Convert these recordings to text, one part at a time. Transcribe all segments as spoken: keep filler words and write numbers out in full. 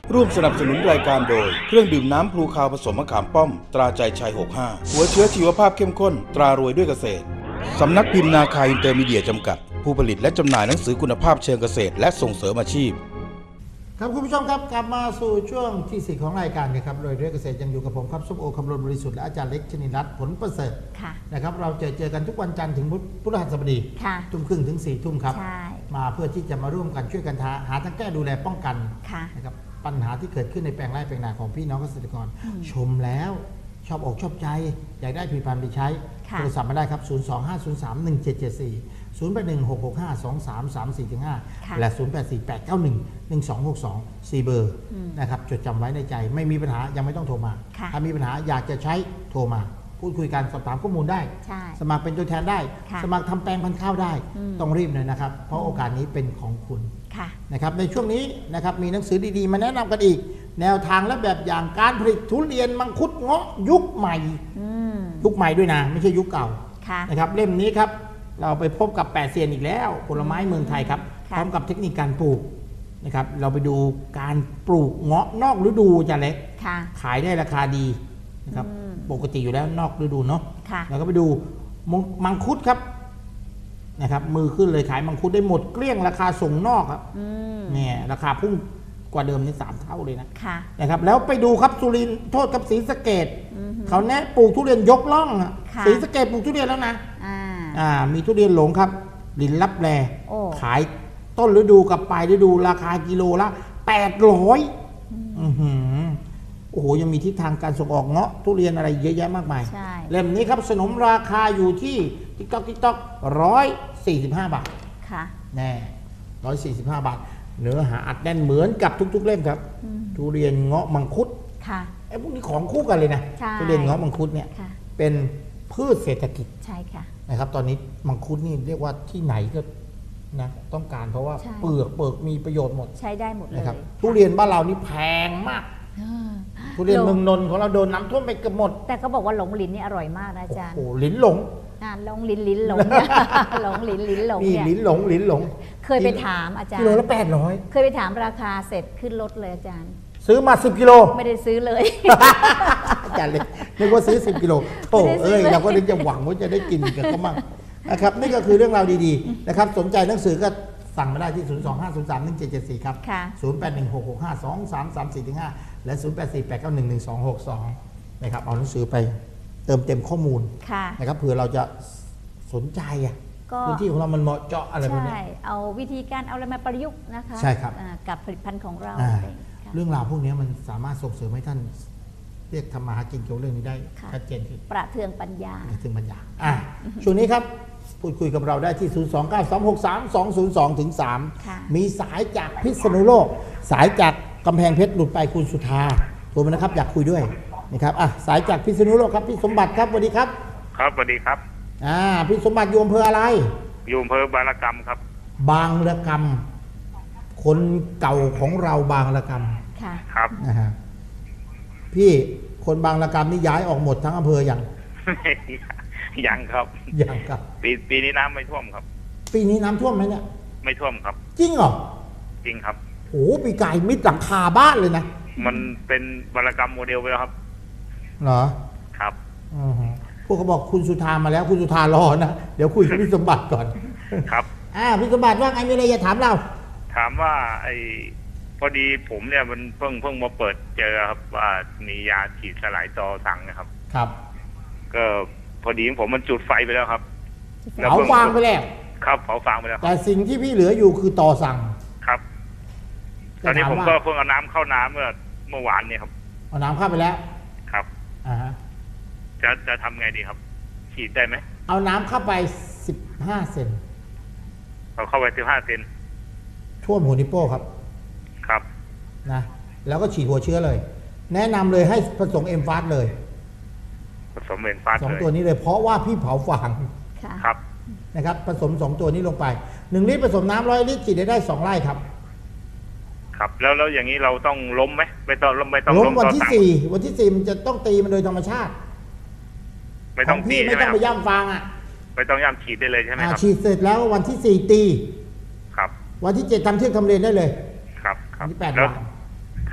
ร่วมสนับสนุนรายการโดยเครื่องดื่มน้ำพลูคาวผสมมะขามป้อมตราใจชัยหกสิบห้าหัวเชื้อชีวภาพเข้มข้นตรารวยด้วยเกษตรสำนักพิมพ์นาคาอินเตอร์มีเดียจำกัดผู้ผลิตและจำหน่ายหนังสือคุณภาพเชิงเกษตรและส่งเสริมอาชีพครับคุณผู้ชมครับกลับมาสู่ช่วงที่สี่ของรายการนะครับโดยเรื่องเกษตรยังอยู่กับผมครับส้มโอคำรณบริสุทธิ์และอาจารย์เล็กชนินรัตน์ผลประเสริฐนะครับเราจะเจอกันทุกวันจันทร์ถึงพุธพฤหัสบดีทุ่มครึ่งถึงสี่ทุ่มครับมาเพื่อที่จะมาร่วมกันช่วยกันหาทางแก้ดูแลป้องกันนะครับปัญหาที่เกิดขึ้นในแปลงไร่แปลงนาของพี่น้องเกษตรกรชมแล้วชอบอกชอบใจอยากได้ผลิตภัณฑ์ไปใช้โทรศัพท์มาได้ครับศูนย์ สอง ห้า ศูนย์ สาม หนึ่ง เจ็ด เจ็ด สี่ ศูนย์ แปด หนึ่ง หก หก ห้า สอง สาม สาม สี่ ห้า และ ศูนย์ แปด สี่ แปด เก้า หนึ่ง หนึ่ง สอง หก สอง สี่ เบอร์นะครับจดจำไว้ในใจไม่มีปัญหายังไม่ต้องโทรมาถ้ามีปัญหาอยากจะใช้โทรมาพูดคุยกันสอบถามข้อมูลได้สมัครเป็นตัวแทนได้สมัครทำแปลงพันธุ์ข้าวได้ต้องรีบเลยนะครับเพราะโอกาสนี้เป็นของคุณนะครับในช่วงนี้นะครับมีหนังสือดีๆมาแนะนำกันอีกแนวทางและแบบอย่างการผลิตทุเรียนมังคุดเงาะยุคใหม่ยุคใหม่ด้วยนะไม่ใช่ยุคเก่านะครับเล่มนี้ครับเราไปพบกับแปดเซียนอีกแล้วผลไม้เมืองไทยครับพร้อมกับเทคนิคการปลูกนะครับเราไปดูการปลูกเงาะนอกฤดูจะเล็กขายได้ราคาดีนะครับปกติอยู่แล้วนอกฤดูเนาะแล้วก็ไปดูมังคุดครับนะครับมือขึ้นเลยขายมังคุดได้หมดเกลี้ยงราคาส่งนอกครับเนี่ยราคาพุ่งกว่าเดิมนี่สามเท่าเลยนะนะครับแล้วไปดูครับสุรินทร์โทษกับศรีสะเกษเขาแนะปลูกทุเรียนยกล่องศรีสะเกษปลูกทุเรียนแล้วนะอ่ามีทุเรียนหลงครับลินลับแลขายต้นฤดูกับปลายฤดูราคากิโลละแปดร้อยโอ้โหยังมีทิศทางการส่งออกเงาะทุเรียนอะไรเยอะแยะมากมายเล่มนี้ครับสนมราคาอยู่ที่ติ๊กต๊อกติ๊กต๊อกร้อยสี่สิบห้าบาทค่ะแน่ร้อยสี่สิบห้าบาทเนื้อหาอัดแน่นเหมือนกับทุกๆเล่มครับทุเรียนเงาะมังคุดค่ะไอ้พวกนี้ของคู่กันเลยนะทุเรียนเงาะมังคุดเนี่ยเป็นพืชเศรษฐกิจใช่ค่ะนะครับตอนนี้มังคุดนี่เรียกว่าที่ไหนก็นะต้องการเพราะว่าเปลือกเปลือกมีประโยชน์หมดใช้ได้หมดเลยนะครับทุเรียนบ้านเรานี่แพงมากทุเรียนเมืองนนท์ของเราโดนน้ำท่วมไปเกือบหมดแต่เขาบอกว่าหลงลิ้นนี่อร่อยมากนะอาจารย์โอ้โหลิ้นหลงอ่าหลงลิ้นลิ้นหลงหลงลิ้นลิ้นหลงเนี่ยลิ้นหลงลิ้นหลงเคยไปถามอาจารย์กิโลละแปดร้อยเคยไปถามราคาเสร็จขึ้นรถเลยอาจารย์ซื้อมาสิบกิโลไม่ได้ซื้อเลยอาจารย์เลยนึกว่าซื้อสิบกิโลโอ้เอ้ยเราก็นึกจะหวังว่าจะได้กินกันก็มั่งนะครับนี่ก็คือเรื่องราวดีๆนะครับสนใจหนังสือก็สั่งมาได้ที่ศูนย์ สอง ห้า ศูนย์ สาม หนึ่ง เจ็ด เจ็ด สี่ครับศูนย์ แปด หนึ่ง หก หก ห้า สอง สาม สาม สี่ ห้าและศูนย์ แปด สี่ แปด เก้า หนึ่ง หนึ่ง สอง หก สองนะครับเอาหนังสือไปเติมเต็มข้อมูลนะครับเผื่อเราจะสนใจอ่ะพื้นที่ของเรามันเหมาะเจาะอะไรพวกนี้ใช่เอาวิธีการเอาอะไรมาประยุกต์นะคะใช่ครับกับผลิตภัณฑ์ของเราเรื่องราวพวกนี้มันสามารถส่งเสริมให้ท่านเรียกทำมาหากินเกี่ยวเรื่องนี้ได้ชัดเจนขึ้นประเทืองปัญญาประเทืองปัญญาอ่ะช่วงนี้ครับพูดคุยกับเราได้ที่ ศูนย์ สอง เก้า สอง หก สาม สอง ศูนย์ สอง ถึง สาม มีสายจากพิษณุโลกสายจากกำแพงเพชรหลุดไปคุณสุธาโทรมานะครับอยากคุยด้วยนะครับอ่ะสายจากพิษณุโลกครับพี่สมบัติครับสวัสดีครับครับสวัสดีครับอ่าพี่สมบัติอยู่อำเภออะไรอยู่อำเภอบางระกำครับบางระกำคนเก่าของเราบางระกำค่ะครับนะฮะพี่คนบางระกำนี่ย้ายออกหมดทั้งอำเภอยังยังครับยังครับปีปีนี้น้ำไม่ท่วมครับปีนี้น้ำท่วมไหมเนี่ยไม่ท่วมครับจริงเหรอจริงครับโอ้ปีกายมิดหลังคาบ้านเลยนะมันเป็นบางระกำโมเดลไปแล้วครับเหรอครับอือพวกเขาบอกคุณสุธามาแล้วคุณสุธารอนะเดี๋ยวคุยกับพี่สมบัติก่อนครับอ่าพี่สมบัติว่าไงมีอะไรจะถามเราถามว่าไอ้พอดีผมเนี่ยมันเพิ่งเพิ่งมาเปิดเจอครับว่ามียาฉีดสลายตอสั่งนะครับครับก็พอดีผมมันจุดไฟไปแล้วครับเผาฟางไปแล้วครับเผาฟางไปแล้วแต่สิ่งที่พี่เหลืออยู่คือตอสั่งครับตอนนี้ผมก็เพิ่งเอาน้ำเข้าน้ำเมื่อเมื่อวานเนี่ยครับเอาน้ำเข้าไปแล้วครับอ่าฮะจะจะทำไงดีครับฉีดได้ไหมเอาน้ำเข้าไปสิบห้าเซนเอาเข้าไปสิบห้าเซนท่วมหัวนิ้วโป้ครับครับนะแล้วก็ฉีดหัวเชื้อเลยแนะนำเลยให้ผสมเอ็มฟาสเลยผสมเอ็มฟาสสองตัวนี้เลยเพราะว่าพี่เผาฟางครับนะครับผสมสองตัวนี้ลงไปหนึ่งลิตรผสมน้ำร้อยลิตรฉีดได้ได้สองไร่ครับครับแล้วแล้วอย่างนี้เราต้องล้มไหมไม่ต้องล้มไม่ต้องล้มวันที่สี่วันที่สี่มันจะต้องตีมันโดยธรรมชาติไม่ต้องตีไม่ต้องไปย่ำฟางอ่ะไม่ต้องย่ำฉีดได้เลยใช่ไหมครับฉีดเสร็จแล้ววันที่สี่ตีครับวันที่เจ็ดทำเที่ยงทำเรียนได้เลยครับครับที่แปดวันค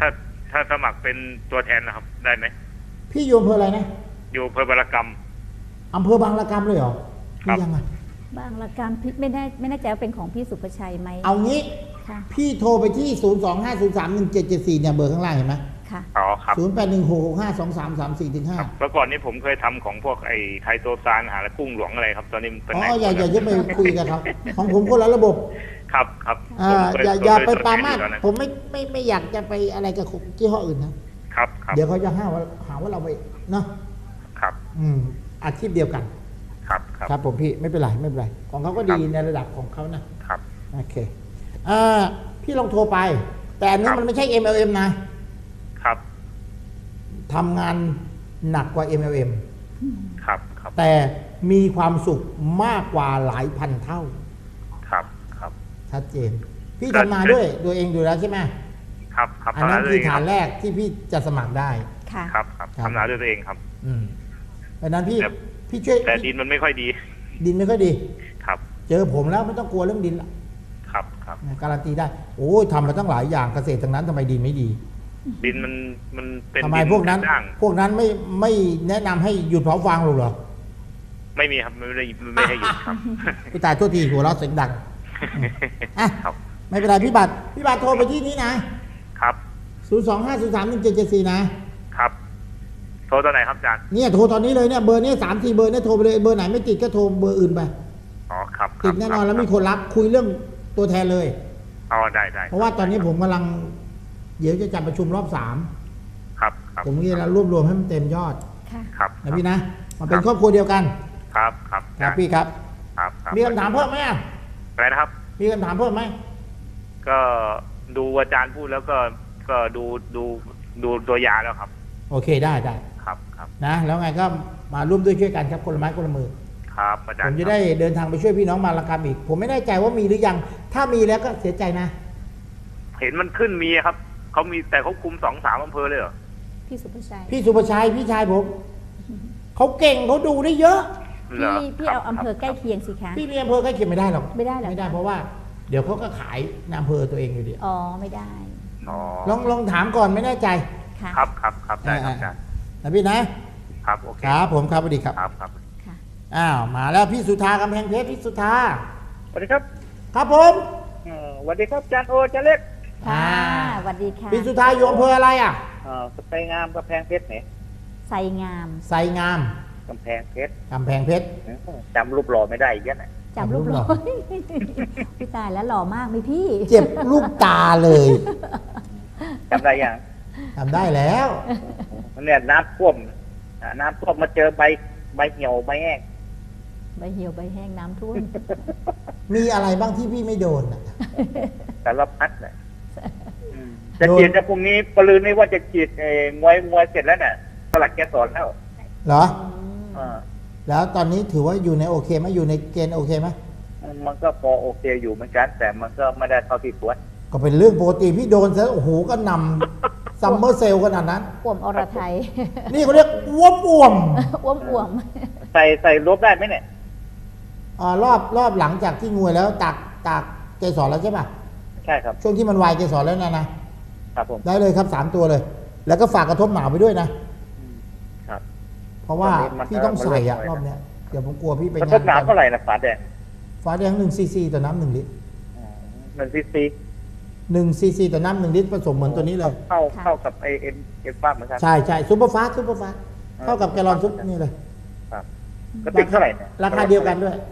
ถ้าถ้าสมัครเป็นตัวแทนนะครับได้ไหมพี่อยู่อำเภออะไรนะอยู่อำเภอบารกรรมอำเภอบางละกำเลยเหรอครับยังไงบางละกำพี่ไม่ได้ไม่แน่ใจว่าเป็นของพี่สุภชัยไหมเอางี้พี่โทรไปที่ศูนย์ สอง ห้า ศูนย์ สาม หนึ่ง เจ็ด เจ็ด สี่เนี่ยเบอร์ข้างล่างเห็นไหมค่ะอ๋อครับศูนย์ แปด หนึ่ง หก หก ห้า สอง สาม สาม สี่ ถึง ห้าเมื่อก่อนนี้ผมเคยทำของพวกไอ้ไทโตซานหาและกุ้งหลวงอะไรครับตอนนี้มันเป็นอ๋ออย่าอย่าจะไปคุยกับเขาของผมคนละระบบครับครับอ่าอย่าอย่าไปปามาดผมไม่ไม่ไม่อยากจะไปอะไรกับยี่ห้ออื่นนะครับเดี๋ยวเขาจะหาว่าหาว่าเราไปเนาะครับอืมอาชีพเดียวกันครับครับครับผมพี่ไม่เป็นไรไม่เป็นไรของเขาก็ดีในระดับของเขานะครับโอเคอ่าพี่ลองโทรไปแต่อันนี้มันไม่ใช่ เอ็ม แอล เอ็ม นะครับทำงานหนักกว่า เอ็ม แอล เอ็มครับครับแต่มีความสุขมากกว่าหลายพันเท่าครับครับชัดเจนพี่ทำนาด้วยตัวเองอยู่แล้วใช่ไหมครับครับอันนั้นคือฐานแรกที่พี่จะสมัครได้ค่ะครับครับทำนาด้วยตัวเองครับอืมเพราะนั้นพี่พี่ช่วยแต่ดินมันไม่ค่อยดีดินไม่ค่อยดีครับเจอผมแล้วไม่ต้องกลัวเรื่องดินละครับครับการันตีได้โอ้ยทำมาตั้งหลายอย่างเกษตรทั้งนั้นทำไมดินไม่ดีดินมันมันเป็นทำไมพวกนั้นพวกนั้นไม่ไม่แนะนำให้หยุดเผาฟางหรอกเหรอไม่มีครับไม่ได้ไม่ให้หยุดครับพี่ตายโทษทีหัวเราะเสียงดังอ่ะไม่เป็นไรพี่บัตรพี่บัตรโทรไปที่นี้นะครับศูนย์ สอง ห้า ศูนย์ สาม หนึ่ง เจ็ด เจ็ด สี่นะครับโทรตอนไหนครับอาจารย์เนี่ยโทรตอนนี้เลยเนี่ยเบอร์นี้สามสี่เบอร์เนี่ยโทรไปเลยเบอร์ไหนไม่ติดก็โทรเบอร์อื่นไปอ๋อครับติดแน่นอนแล้วมีคนรับคุยเรื่องตัวแทนเลยอ๋อได้ได้เพราะว่าตอนนี้ผมกำลังเดี๋ยวจะจัดประชุมรอบสามครับผมก็จะรวบรวมให้มันเต็มยอดครับนะพี่นะมันเป็นครอบครัวเดียวกันครับครับครับพี่ครับครับมีคำถามเพิ่มไหมอะไรนะครับมีคำถามเพิ่มไหมก็ดูอาจารย์พูดแล้วก็ก็ดูดูดูตัวยาแล้วครับโอเคได้ได้ครับครับนะแล้วไงก็มาร่วมด้วยช่วยกันครับคนละไม้คนละมือครับอาจารย์ผมจะได้เดินทางไปช่วยพี่น้องมาละกรรมอีกผมไม่แน่ใจว่ามีหรือยังถ้ามีแล้วก็เสียใจนะเห็นมันขึ้นมีครับเขามีแต่เขาคุมสองสามอำเภอเลยเหรอพี่สุภชัยพี่สุภชัยพี่ชายผมเขาเก่งเขาดูได้เยอะพี่พี่เอาอำเภอใกล้เคียงสิคะพี่มีอำเภอใกล้เคียงไม่ได้หรอกไม่ได้หรอกไม่ได้เพราะว่าเดี๋ยวเขาก็ขายในอำเภอตัวเองอยู่ดีอ๋อไม่ได้ลองลองถามก่อนไม่แน่ใจครับครับครับได้ครับอาจารย์นะพี่นะครับโอเคครับผมครับสวัสดีครับครับครับอ้าวมาแล้วพี่สุธากำแพงเพชรพี่สุธาสวัสดีครับครับผมสวัสดีครับอาจารย์โออาจารย์เล็กค่ะสวัสดีค่ะพี่สุธาอยู่อำเภออะไรอ่ะไซงามกำแพงเพชรไหนไซงามไซงามกำแพงเพชรกำแพงเพชรจำรูปหล่อไม่ได้อีกแล้วจำรูปหล่อพี่ตายแล้วหล่อมากไหมพี่เจ็บลูกตาเลยจำได้ยังจำได้แล้วเนี่ยน้ำท่วมน้ำท่วมมาเจอใบใบเหี่ยวใบแห้งใบเหี่ยวใบแห้งน้ำท่วมมีอะไรบ้างที่พี่ไม่โดนอ่ะแต่ละพัดเลยจะฉีดจะพรุ่งนี้ปลืนนี่ว่าจะฉีดมวยมวยเสร็จแล้วเนี่ยสลักแกสอนแล้วเหรอแล้วตอนนี้ถือว่าอยู่ในโอเคไหมอยู่ในเกณฑ์โอเคไหมมันก็พอโอเคอยู่เหมือนกันแต่มันก็ไม่ได้เท่าที่ควรก็เป็นเรื่องปกติพี่โดนซะโอ้โหก็นำซัมเมอร์เซลขนาดนั้นอ้วมอรไทยนี่เขาเรียกอ้วมอ้วมอ้วมอ้วมใส่ใส่ลบได้ไหมเนี่ยอ่ารอบรอบหลังจากที่งวยแล้วตากตากเกสรแล้วใช่ป่ะใช่ครับช่วงที่มันวายเกสรแล้วนะนะครับผมได้เลยครับสามตัวเลยแล้วก็ฝากกระทบหนาวไปด้วยนะครับเพราะว่าพี่ต้องใส่อะรอบเนี้ยเดี๋ยวผมกลัวพี่ไปงานกระทบหนาวเท่าไหร่นะฝาแดงฝาแดงหนึ่งซีซีต่อน้ำหนึ่งลิตรหนึ่งซีซีหนึ่งซีซีต่อน้ำหนึ่งลิตรผสมเหมือนตัวนี้เลยเข้าเข้ากับไอเอ็นเอ็นฟ้าเหมือนกันใช่ใช่ซุปเปอร์ฟาสซุปเปอร์ฟาสเข้ากับแกลลอนซุปนี่เลยครับก็ติดเท่าไหร่เนี่ยราคาเดียวกันด้วย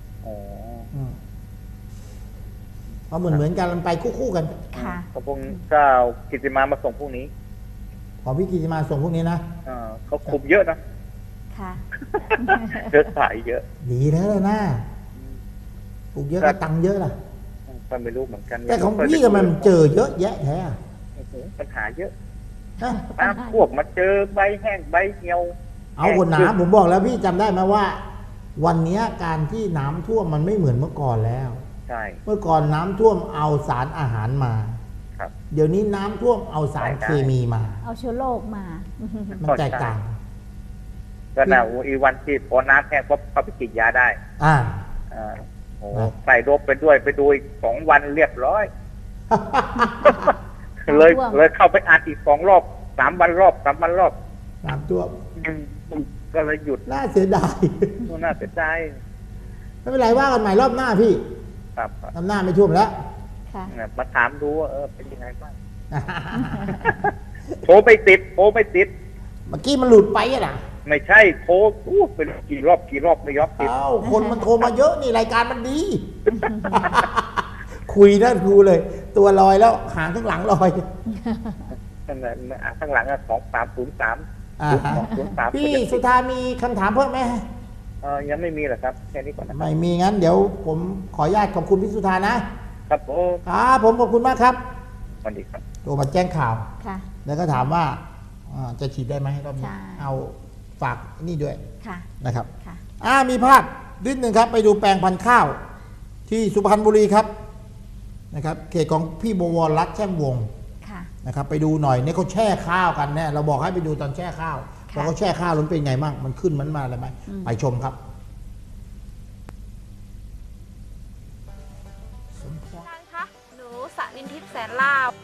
เพราะเหมือนเหมือนกันมันไปคู่ๆกันค่ะขอบคุณเจ้ากิติมามาส่งพรุ่งนี้ขอพี่กิติมาส่งพรุ่งนี้นะอ่าเขาคุมเยอะนะค่ะเยอะขายเยอะดีแล้วเลยนะปลูกเยอะก็ตังเยอะล่ะก็ไม่รู้เหมือนกันแต่ของพี่ก็มันเจอเยอะแยะแท้ปัญหาเยอะน้ำพวกมาเจอใบแห้งใบเหี่ยวเอาคนน้ำผมบอกแล้วพี่จำได้ไหมว่าวันนี้การที่น้ำท่วมมันไม่เหมือนเมื่อก่อนแล้วใช่เมื่อก่อนน้ำท่วมเอาสารอาหารมาครับเดี๋ยวนี้น้ำท่วมเอาสารเคมีมาเอาเชื้อโรคมามันแตกต่างก็น่าอีวันที่พอน้ำแห้งก็เขาไปฉีดยาได้อ่าอ่าโอ้ใส่รบไปด้วยไปดูอีกสองวันเรียบร้อยเลยท่วมเลยเข้าไปอัดอีกสองรอบสามวันรอบสามวันรอบน้ำท่วมอืมก็เลยหยุดน่าเสียดายน่าเสียดายไม่เป็นไรว่ากันใหม่รอบหน้าพี่ครับรอบหน้าไม่ท่วมแล้วค่ะมาถามดูว่าเออเป็นยังไงบ้างโทรไปติดโทรไปติดเมื่อกี้มันหลุดไปอะนะไม่ใช่โทรอู้เป็นกี่รอบกี่รอบไม่ยอมติดเอ้าคนมันโทรมาเยอะนี่รายการมันดี คุยนั่นครูเลย ตัวลอยแล้วหางข้างหลังลอยข้างหลังข้างหลังสองสามศูนย์สามอ่าสองศูนย์สามพี่สุธามีคำถามเพิ่มไหมเออยังไม่มีหรอกครับแค่นี้ก่อนนะไม่มีงั้นเดี๋ยวผมขออนุญาตขอบคุณพี่สุธานะครับโอ้ครับผมขอบคุณมากครับสวัสดีครับโทรมาแจ้งข่าวค่ะแล้วก็ถามว่าอ่าจะฉีดได้ไหมรอบนี้ใช่เอาฝากนี่ด้วยค่ะนะครับค่ะอ่ามีภาพนิดหนึ่งครับ ไปดูแปลงพันธุ์ข้าว ที่สุพรรณบุรีครับนะครับเขตของพี่บวรรัตน์แช่มวงศ์ค่ะนะครับไปดูหน่อยเนี่ยเขาแช่ข้าวกันเนี่ยเราบอกให้ไปดูตอนแช่ข้าวค่ะว่าเขาแช่ข้าวแล้วมันเป็นไงบ้างมันขึ้นมันมาอะไรไหมอืมไปชมครับท่านคะหนูสนินทิพย์แสนลาบ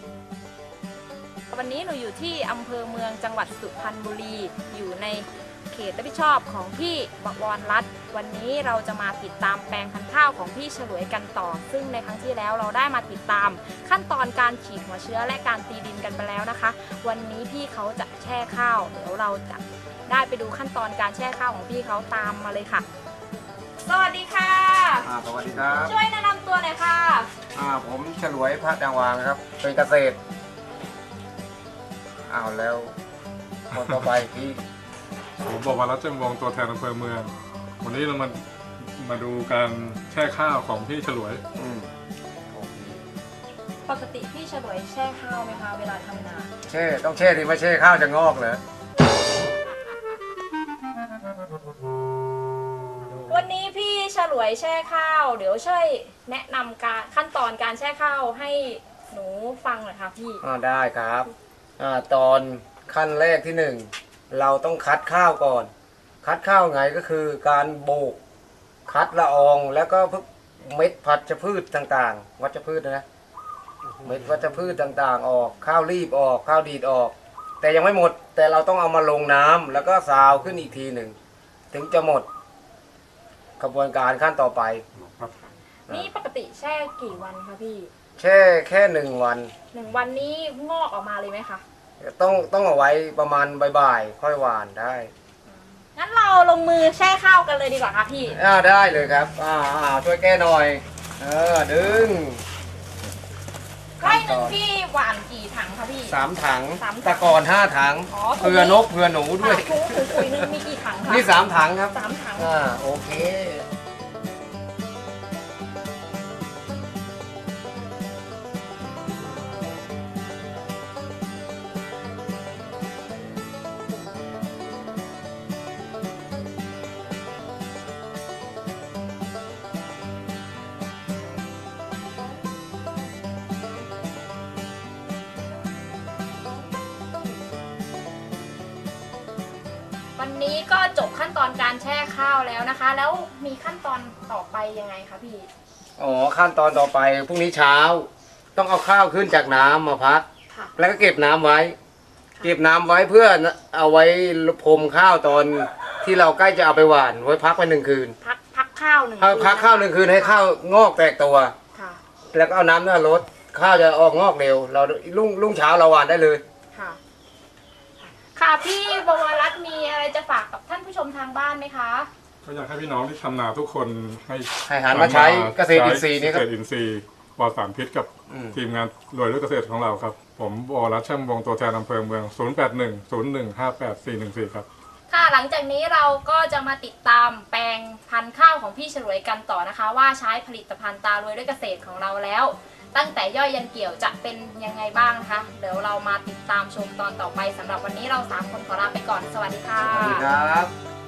วันนี้หนูอยู่ที่อำเภอเมืองจังหวัดสุพรรณบุรี อยู่ในเขตรับผิดชอบของพี่บวรรัตน์วันนี้เราจะมาติดตามแปลงพันธุ์ข้าวของพี่ฉลวยกันต่อ ซึ่งในครั้งที่แล้วเราได้มาติดตามขั้นตอนการฉีดหัวเชื้อและการตีดินกันไปแล้วนะคะ วันนี้พี่เขาจะแช่ข้าวเดี๋ยวเราจะได้ไปดูขั้นตอนการแช่ข้าวของพี่เขาตามมาเลยค่ะ สวัสดีค่ะอ่าสวัสดีครับช่วยแนะนำตัวหน่อยค่ะอ่าผมฉลวยพระจังหวางครับ เป็นเกษตรอ้าวแล้วคนต่อไปพี่ผมบอกว่ารัชเจมวงศ์ตัวแทนอำเภอเมือง วันนี้เรามามาดูการแช่ข้าวของพี่ฉลวยอืมโอเคปกติพี่ฉลวยแช่ข้าวไหมคะเวลาทำนาแช่ต้องแช่ดิไม่แช่ข้าวจะงอกเหรอวันนี้พี่ฉลวยแช่ข้าว เดี๋ยวช่วยแนะนำการขั้นตอนการแช่ข้าวให้หนูฟังหน่อยค่ะพี่อ่าได้ครับอ่าตอนขั้นแรกที่หนึ่งเราต้องคัดข้าวก่อน คัดข้าวไงก็คือการโบกคัดละอองแล้วก็พวกเม็ดพัชพืชต่างๆ วัชพืชนะเม็ดวัชพืชต่างๆ ออกข้าวรีบออกข้าวดีดออก แต่ยังไม่หมดแต่เราต้องเอามาลงน้ำแล้วก็ซาวขึ้นอีกทีหนึ่งถึงจะหมดกระบวนการขั้นต่อไปนี่ปกติแช่กี่วันคะพี่แช่แค่หนึ่งวันหนึ่งวันนี้งอกออกมาเลยไหมคะต้องต้องเอาไว้ประมาณบ่ายๆค่อยหวานได้งั้นเราลงมือแช่ข้าวกันเลยดีกว่าค่ะพี่อ่าได้เลยครับอ่าอ่าช่วยแก้หน่อยเออดึงไร่หนึ่งพี่หวานกี่ถังคะพี่สามถังสามถังตะกอนห้าถังอ๋อเผื่อนกเผื่อหนูด้วยถุงถุงปุ๋ยหนึงมีกี่ถังคะนี่สามถังครับสามถังอ่าโอเควันนี้ก็จบขั้นตอนการแช่ข้าวแล้วนะคะ แล้วมีขั้นตอนต่อไปยังไงคะพี่อ๋อขั้นตอนต่อไปพรุ่งนี้เช้า ต้องเอาข้าวขึ้นจากน้ำมาพักค่ะแล้วก็เก็บน้ำไว้ เก็บน้ำไว้เพื่อเอาไว้พรมข้าวตอนที่เราใกล้จะเอาไปหว่านไว้พักไว้หนึ่งคืนพักพักข้าวหนึ่งเอาพักข้าวหนึ่งคืนให้ข้าวงอกแตกตัวค่ะแล้วก็เอาน้ำเนี่ยลดข้าวจะออกงอกเร็ว เรารุ่งรุ่งเช้าเราหว่านได้เลยค่ะ ค่ะพี่บวรรัตน์มีอะไรจะฝากกับท่านผู้ชมทางบ้านไหมคะก็อยากให้พี่น้องที่ทำนาทุกคนให้ให้หันมาใช้เกษตรอินทรีย์นี่ครับเกษตรอินทรีย์ปลอดสารพิษกับอืมทีมงานรวยด้วยเกษตรของเราครับ ผมบวรรัตน์แช่มวงศ์ตัวแทนอำเภอเมือง ศูนย์ แปด หนึ่ง ศูนย์ หนึ่ง ห้า แปด สี่ หนึ่ง สี่ ครับค่ะหลังจากนี้เราก็จะมาติดตามแปลงพันธุ์ข้าวของพี่ฉลวยกันต่อนะคะ ว่าใช้ผลิตภัณฑ์ตารวยด้วยเกษตรของเราแล้ว ตั้งแต่ย่อยยันเกี่ยวจะเป็นยังไงบ้างนะคะเดี๋ยวเรามาติดตามชมตอนต่อไปสำหรับวันนี้เราสามคนขอลาไปก่อนสวัสดีค่ะสวัสดีครับ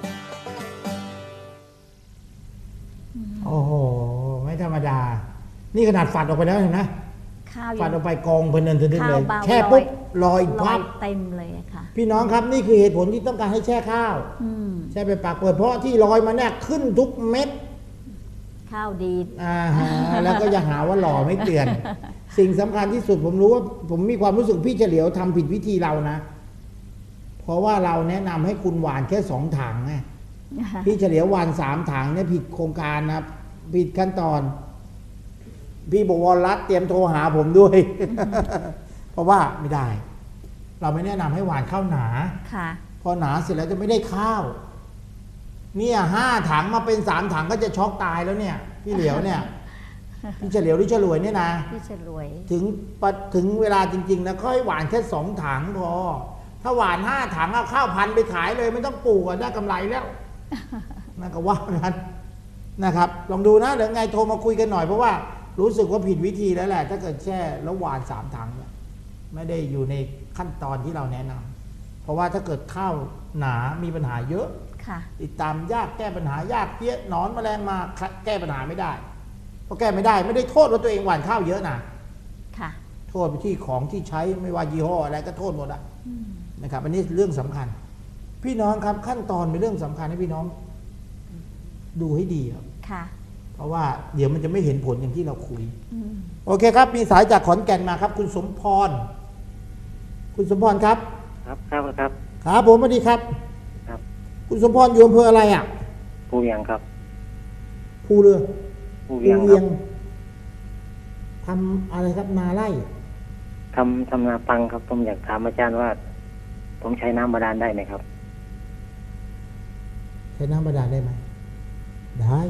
โอ้โห ไม่ธรรมดา นี่ขนาดฝัดออกไปแล้วเห็นไหมข้าวฝัยัดงออกไปกองเพลินทึกเลยข้าวเบาแช่ปุ๊บลอยลอพัยบเต็มเลยอะค่ะพี่น้องครับนี่คือเหตุผลที่ต้องการให้แช่ข้าวอืมแช่ไปปากเปิดเพราะที่ลอยมาเนี่ยขึ้นทุกเม็ดข้าวดีอ่าฮะแล้วก็อย่าหาว่าหล่อไม่เตือน สิ่งสำคัญที่สุดผมรู้ว่าผมมีความรู้สึกพี่เฉลียวทำผิดวิธีเรานะ เพราะว่าเราแนะนำให้คุณหวานแค่สองถังไงพี่เฉลียวหวานสามถังเนี่ยผิดโครงการนะผิดขั้นตอน พี่บวรรัตน์เตรียมโทรหาผมด้วย เพราะว่าไม่ได้ เราไม่แนะนำให้หวานข้าวหนาค่ะพอหนาเสร็จแล้วจะไม่ได้ข้าว เนี่ยห้าถังมาเป็นสามถังก็จะช็อกตายแล้วเนี่ย พี่เหลียวเนี่ย พี่เฉลียวหรือเฉลวยเนี่ยนะพี่ฉลวยถึงปะถึงเวลาจริงๆนะค่อยหวานแค่สองถังพอ ถ้าหวานห้าถังเอาข้าวพันไปขายเลยไม่ต้องปลูกได้กำไรแล้วนั่นก็ว่ากันนะครับ ลองดูนะเดี๋ยวไงโทรมาคุยกันหน่อยเพราะว่ารู้สึกว่าผิดวิธีแล้วแหละ ถ้าเกิดแช่แล้วหวานสามถังเนี่ยไม่ได้อยู่ในขั้นตอนที่เราแนะนำเพราะว่าถ้าเกิดข้าวหนามีปัญหาเยอะค่ะติดตามยากแก้ปัญหายากเพี้ยหนอนแมลงมาแก้ปัญหาไม่ได้เพราะแก้ไม่ได้ไม่ได้โทษว่าตัวเองหว่านข้าวเยอะนะค่ะโทษไปที่ของที่ใช้ไม่ว่ายี่ห้ออะไรก็โทษหมดอะนะครับอันนี้เรื่องสำคัญ พี่น้องครับขั้นตอนเป็นเรื่องสำคัญให้พี่น้องดูให้ดีครับค่ะเพราะว่าเดี๋ยวมันจะไม่เห็นผลอย่างที่เราคุยอืมโอเคครับ มีสายจากขอนแก่นมาครับ คุณสมพร คุณสมพรครับครับครับครับครับผมสวัสดีครับครับคุณสมพรอยู่อำเภออะไรอ่ะภูเวียงครับภูเรือภูเวียงครับทำอะไรครับนาไร่ทำทำนาปังครับผมอยากถามอาจารย์ว่า ผมใช้น้ำบาดาลได้ไหมครับใช้น้ำบาดาลได้ไหมได้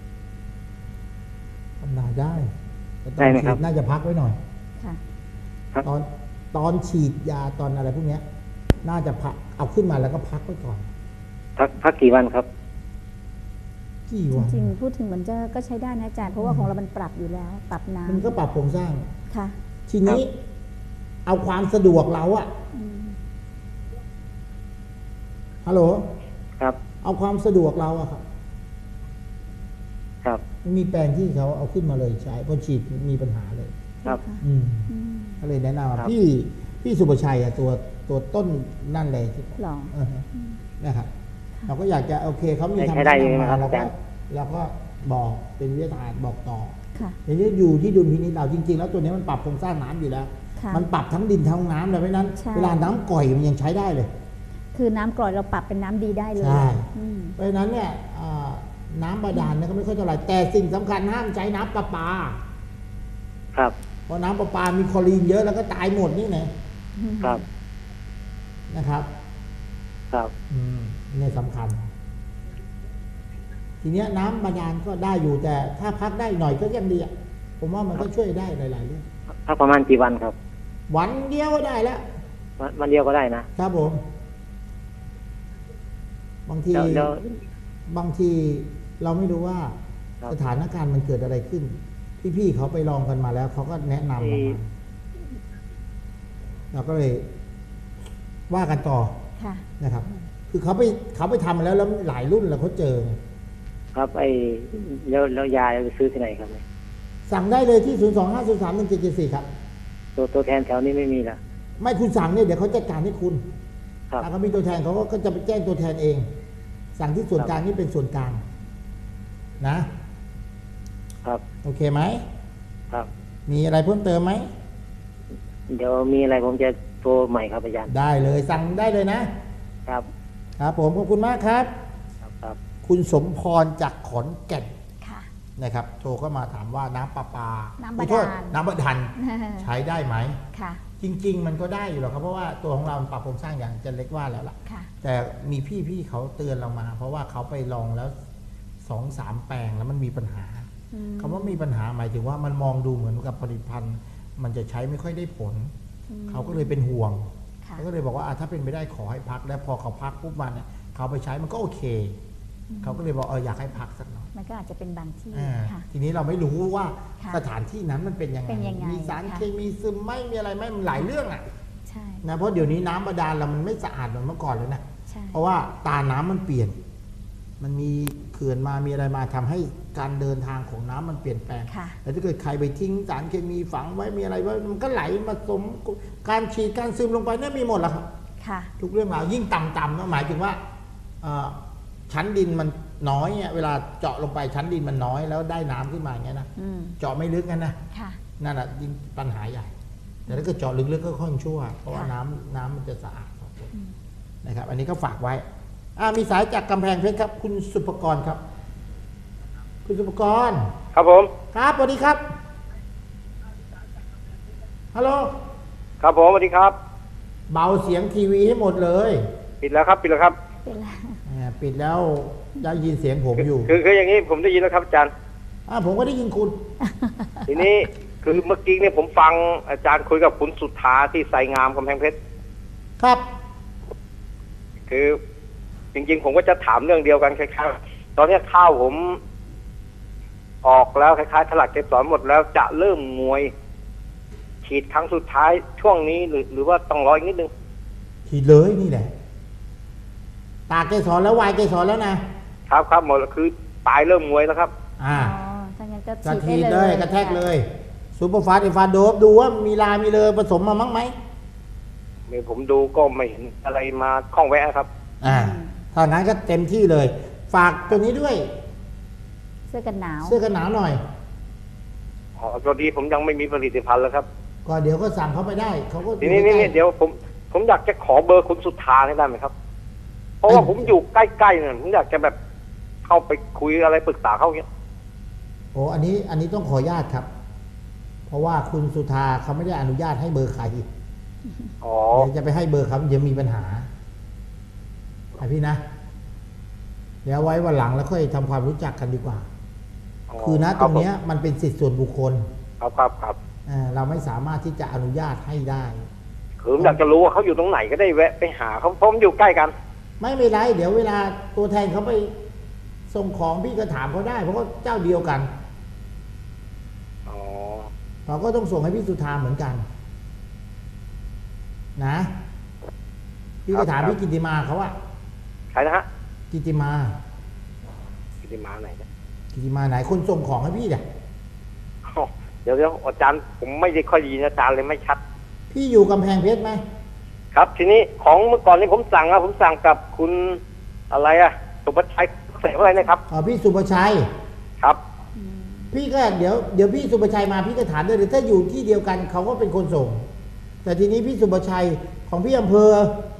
ทำนาได้แต่ตอนได้ไหมฉีครับดน่าจะพักไว้หน่อยค่ะครับตอนตอนฉีดยาตอนอะไรพวกเนี้ย น่าจะพักเอาขึ้นมาแล้วก็พักไว้ก่อนพักพักกี่วันครับกี่จวันริงๆ พูดถึงเหมือนจะก็ใช้ได้นะอาจารย์ เพราะว่าของเรามันปรับอยู่แล้ว ปรับน้มันก็ปรับโครงสร้างำค่ะทีนี้ เอาความสะดวกเราอะอืมฮัลโหลครับเอาความสะดวกเราอะครับครับมันมีแปลงที่เขาเอาขึ้นมาเลยใช้พอฉีดมีปัญหาเลยครับอืมอืมก็เลยแนะนำว่าครับพี่พี่สุประชัยอะตัวตัวต้นนั่นเลยที่หรอเออฮะนะครับ เราก็อยากจะโอเคเขามีใช้คำใช้ได้แนะอยู่นำไหมครัมาบเราอาก็จารย์เราก็บอกเป็นวิทยาทานบอกต่อค่ะทีนี้อยู่ที่ดุลพินิจเราจริงๆ แล้วตัวนี้มันปรับโครงสร้างน้ำอยู่แล้วค่ะมันปรับทั้งดินทั้งน้ำเลยเพราะฉะนั้นใช่เวลาน้ำก่อยมันยังใช้ได้เลยคือน้ำกร่อยเราปรับเป็นน้ำดีได้เลยใช่อืมเพราะฉะนั้นเนี่ยอ่าน้ำบาดาลเนี่ยก็ไม่ค่อยเท่าไหร่แต่สิ่งสำคัญห้ามใช้น้ำประปาครับเพราะน้ำประปามีคลอรีนเยอะแล้วก็ตายหมดนี่นะครับ นะครับครับอืมนี่สำคัญ ทีเนี้ยน้ำบาดาลก็ได้อยู่แต่ถ้าพักได้หน่อยก็ยังดีอะผมว่ามันก็ช่วยได้หลายๆเรื่องพักประมาณกี่วันครับวันเดียวก็ได้แล้ววันวันเดียวก็ได้นะครับผม บางทีแล้วแล้วบางทีเราไม่รู้ว่าครับสถานการณ์มันเกิดอะไรขึ้น พี่ๆเขาไปลองกันมาแล้วเขาก็แนะนำเราที่มาเราก็เลยว่ากันต่อค่ะนะครับ คือเขาไปเขาไปทำมาแล้วแล้วหลายรุ่นแล้วเขาเจอไงครับไอ้แล้วแล้วยาจะไปซื้อที่ไหนครับเนี่ยสั่งได้เลยที่ ศูนย์ สอง ห้า ศูนย์ สาม หนึ่ง เจ็ด เจ็ด สี่ ครับตัวตัวแทนแถวนี้ไม่มีละไม่คุณสั่งเนี่ยเดี๋ยวเขาจัดการให้คุณครับถ้าเขามีตัวแทนเขาก็จะไปแจ้งตัวแทนเอง สั่งที่ส่วนกลางนี่เป็นส่วนกลาง นะครับโอเคไหมครับมีอะไรเพิ่มเติมไหมเดี๋ยวมีอะไรผมจะโทรใหม่ครับอาจารย์ได้เลยสั่งได้เลยนะครับครับผมขอบคุณมากครับครับครับคุณสมพรจากขอนแก่นค่ะนะครับ โทรเข้ามาถามว่าน้ำประปาน้ำบาดาลขอโทษน้ำบาดาลใช้ได้ไหมค่ะจริง ๆ มันก็ได้อยู่หรอกครับเพราะว่าตัวของเรามันปรับโครงสร้างอย่างอาจะเล็กว่าแล้วล่ะค่ะแต่มีพี่ๆเขาเตือนเรามา เพราะว่าเขาไปลองแล้วสองสามแปลงแล้วมันมีปัญหาอืมคำว่ามีปัญหาหมายถึงว่ามันมองดูเหมือนกับผลิตภัณฑ์ มันจะใช้ไม่ค่อยได้ผลอืมเขาก็เลยเป็นห่วงค่ะเขาก็เลยบอกว่าอ่ะถ้าเป็นไปได้ขอให้พัก แล้วพอเขาพักปุ๊บมันเนี่ยเขาไปใช้มันก็โอเค เขาก็เลยบอกเอออยากให้พักสักหน่อยมันก็อาจจะเป็นบางที่อ่าค่ะทีนี้เราไม่รู้ว่าค่ะสถานที่นั้นมันเป็นยังไงเป็นยังไงมีสารค่ะเคมีซึมไหม่มีอะไรไหมมันหลายเรื่องอ่ะใช่นะเพราะเดี๋ยวนี้น้ำบาดาลเรามันไม่สะอาดเหมือนเมื่อก่อนเลยนะใช่เพราะว่าตาน้ำมันเปลี่ยน มันมีเขื่อนมามีอะไรมาทำให้การเดินทางของน้ำมันเปลี่ยนแปลงค่ะแต่ถ้าเกิดใครไปทิ้งสารเคมีฝังไว้มีอะไรไว้มันก็ไหลมาสมการฉีดการซึมลงไปเนี่ยมีหมดแล้วครับค่ะทุกเรื่องราวยิ่งต่ำๆก็หมายถึงว่าเอ่อชั้นดินมันน้อยเนี่ยเวลาเจาะลงไปชั้นดินมันน้อยแล้วได้น้ำขึ้นมาอย่างเงี้ยนะอืมเจาะไม่ลึกกันนะค่ะนั่นแหะยิ่งปัญหาใหญ่ แต่ถ้าเกิดเจาะลึกๆก็ค่อนชั่ว เพราะว่าค่ะน้ำน้ำมันจะสะอาดอืมนะครับ อันนี้ก็ฝากไว้อ่ามีสายจากกำแพงเพชรครับ คุณสุภกรครับ คุณสุภกรครับผมครับสวัสดีครับฮัลโหลครับผมสวัสดีครับเบาเสียงทีวีให้หมดเลยปิดแล้วครับปิดแล้วครับเป็นไรอ่าปิดแล้วได้ยินเสียงผมอยู่คือคืออย่างนี้ผมได้ยินแล้วครับอาจารย์อ่าผมก็ได้ยินคุณทีนี้คือเมื่อกี้เนี่ยผมฟังอาจารย์คุยกับคุณสุธาที่ไซงามกำแพงเพชรครับคือจริงๆผมก็จะถามเรื่องเดียวกันคล้ายๆตอนนี้ข้าวผมออกแล้วคล้ายๆถลักเกสรหมดแล้วจะเริ่มงวย ฉีดครั้งสุดท้ายช่วงนี้หรือหรือว่าต้องรออีกนิดนึงฉีดเลยนี่แหละ ตากเกสรแล้ววายเกสรแล้วนะครับครับหมดแล้วคือปลายเริ่มงวยแล้วครับอ่าอ๋อถ้างั้นก็กระฉีทีดดได้เลเลย ยกระแทกเลยซูเปอร์ฟาสต์ไอฟาโดบดูว่ามีลามีเลยผสมมามั้งไหมนี่ผมดูก็ไม่เห็นอะไรมาข้องแวะครับอ่าถ้างั้นก็เต็มที่เลย ฝากตัวนี้ด้วยเสื้อกันหนาวเสื้อกันหนาวหน่อยอ๋อตอนนี้ผมยังไม่มีผลิตภัณฑ์แล้วครับก็เดี๋ยวก็สั่งเขาไปได้เขาก็ทีนี้อยู่นี่ใกล้เดี๋ยวผมผมอยากจะขอเบอร์คุณสุธาให้ได้ไหมครับ เพราะว่าผมอยู่ใกล้ๆเนี่ยผมอยากจะแบบเข้าไปคุยอะไรปรึกษาเขาเนี้ยโอ้อันนี้อันนี้ต้องขออนุญาตครับ เพราะว่าคุณสุธาเขาไม่ได้อนุญาตให้เบอร์ใครอ๋อเดี๋ยวจะไปให้เบอร์เขาเดี๋ยวมีปัญหาไอพี่นะ เดี๋ยวไว้วันหลังแล้วค่อยทำความรู้จักกันดีกว่า คือนะตรงเนี้ยมันเป็นสิทธิส่วนบุคคลครับครับครับอ่าเราไม่สามารถที่จะอนุญาตให้ได้คือผมอยากจะรู้ว่าเขาอยู่ตรงไหนก็ได้แวะไปหาเขาเพราะผมอยู่ใกล้กันไม่เป็นไรเดี๋ยวเวลาตัวแทนเขาไปส่งของพี่ก็ถามเขาได้ เพราะว่าเจ้าเดียวกันอ๋อเขาก็ต้องส่งให้พี่สุธาเหมือนกัน นะพี่ก็ถามพี่กิติมาเขาอะใครนะฮะกิติมากิติมาไหนเนี่ยกิติมาไหนคนส่งของให้พี่เนี่ยอ๋อเดี๋ยวเดี๋ยวอาจารย์ผมไม่ได้ค่อยได้ยินอาจารย์เลยไม่ชัดพี่อยู่กำแพงเพชรไหมครับ ทีนี้ของเมื่อก่อนนี้ผมสั่งอะผมสั่งกับคุณอะไรอะสุภชัยเสกอะไรนะครับอ๋อพี่สุภชัยครับพี่ก็เดี๋ยวเดี๋ยวพี่สุภชัยมาพี่ก็ถามด้วยเดี๋ยวถ้าอยู่ที่เดียวกันเขาก็เป็นคนส่ง แต่ทีนี้พี่สุภชัยของพี่อำเภอ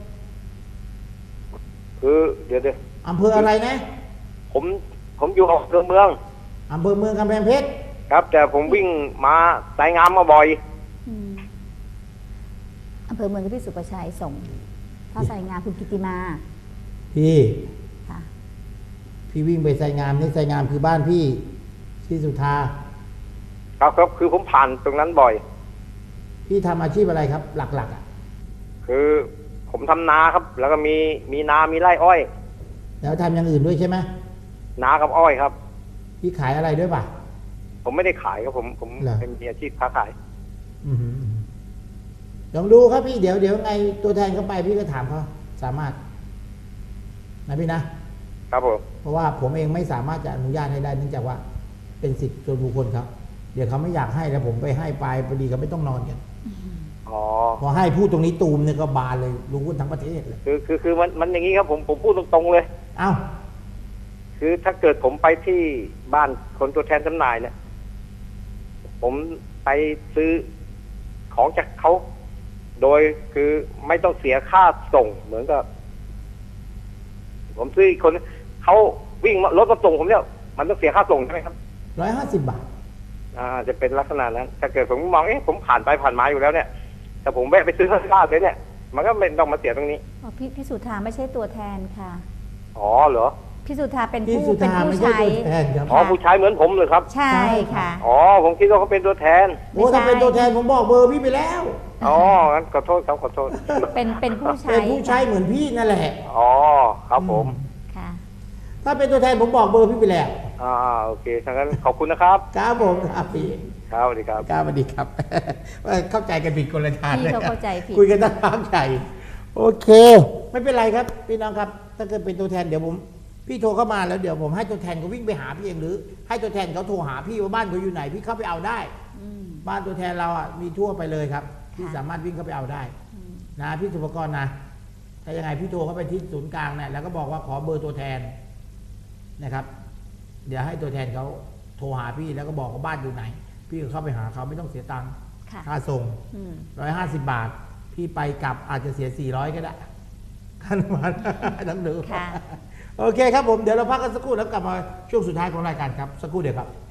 คือเดี๋ยวเดี๋ยวอำเภออะไรนะผมผมอยู่ออกเมืองอำเภอเมืองกำแพงเพชรครับ แต่ผมวิ่งมาสายงามมาบ่อยอืมอำเภอเมืองกับพี่สุประชัยส่ง ถ้าใส่งานคุณกิติมาพี่ค่ะพี่วิ่งไปไซงามนี่ไซงามคือบ้านพี่ที่สุธาครับครับคือผมผ่านตรงนั้นบ่อยพี่ทำอาชีพอะไรครับ หลักๆอ่ะคือผมทำนาครับ แล้วก็มีมีนามีไร่อ้อยแล้วทำอย่างอื่นด้วยใช่ไหมนากับอ้อยครับพี่ขายอะไรด้วยป่ะผมไม่ได้ขายครับผมผมเหรอเป็นมีอาชีพค้าขายอือหือลองดูครับพี่เดี๋ยวเดี๋ยวไงตัวแทนเขาไปพี่ก็ถามเขาสามารถนะพี่นะครับผมเพราะว่าผมเองไม่สามารถจะอนุญาตให้ได้เนื่องจากว่าเป็นสิทธิ์ส่วนบุคคลครับเดี๋ยวเขาไม่อยากให้แล้วผมไปให้ไปพอดีเขาไม่ต้องนอนกันอ๋อพอให้พูดตรงนี้ตูมเนี่ยก็บานเลยรู้กันทั้งประเทศเลยคือคือคือมันมันอย่างนี้ครับผมผมพูดตรงๆเลยเอ้าคือถ้าเกิดผมไปที่บ้านคนตัวแทนจำหน่ายเนี่ย ผมไปซื้อของจากเขาโดยคือไม่ต้องเสียค่าส่งเหมือนกับ ผมซื้ออีกคนเขาวิ่งรถมาส่งผมเนี่ยมันต้องเสียค่าส่งใช่ไหมครับร้อยห้าสิบบาทอ่าจะเป็นลักษณะนั้น ถ้าเกิดผมมองเอ๊ะผมผ่านไปผ่านมาอยู่แล้วเนี่ยแต่ผมแวะไปซื้อข้าวเลยเนี่ย มันก็ไม่ต้องมาเสียตรงนี้อ๋อพี่พี่สุธาไม่ใช่ตัวแทนค่ะอ๋อเหรอพี่สุธาเป็นพี่ผู้สุเป็นธาผู้ไม่ใช่ใช้ตัวแทนครับอ๋อผู้ชายเหมือนผมเลยครับใช่ค่ะอ๋อผมคิดว่าเขาเป็นตัวแทนโอ้ถ้าเป็นตัวแทนผมบอกเบอร์พี่ไปแล้วอ๋องั้นขอโทษครับขอโทษเป็นเป็นผู้ใช้เป็นผู้ใช้เหมือนพี่นั่นแหละอ๋อครับผมค่ะถ้าเป็นตัวแทนผมบอกเบอร์พี่ไปแล้วอ่าโอเคถ้างั้นขอบคุณนะครับครับผมครับพี่ครับสวัสดีครับครับสวัสดีครับ ว่าเข้าใจกันผิดคนละทางพี่เลยเขาเข้าใจผิดคุยกันตั้งพักใหญ่โอเค ไม่เป็นไรครับพี่น้องครับ ถ้าเกิดเป็นตัวแทนเดี๋ยวผมพี่โทรเข้ามาแล้วเดี๋ยวผมให้ตัวแทนเขาวิ่งไปหาพี่เองหรือ ให้ตัวแทนเขาโทรหาพี่ว่าบ้านเขาอยู่ไหนพี่เข้าไปเอาได้อืมบ้านตัวแทนเราอ่ะมีทั่วไปเลยครับพี่ค่ะสามารถวิ่งเข้าไปเอาได้อืมนะพี่สุภกรนะถ้ายังไงพี่โทรเข้าไปที่ศูนย์กลางเนี่ยแล้วก็บอกว่าขอเบอร์ตัวแทนนะครับ เดี๋ยวให้ตัวแทนเขาโทรหาพี่แล้วก็บอกว่าบ้านอยู่ไหน พี่ก็เข้าไปหาเขาไม่ต้องเสียตังค์ค่ะค่าส่งอืมร้อยห้าสิบบาท พี่ไปกลับอาจจะเสียสี่ร้อยก็ได้ค่าน้ำมัน ต้องดูค่ะโอเคครับผมเดี๋ยวเราพักกันสักครู่แล้วกลับมาช่วงสุดท้ายของรายการครับสักครู่เดียวครับ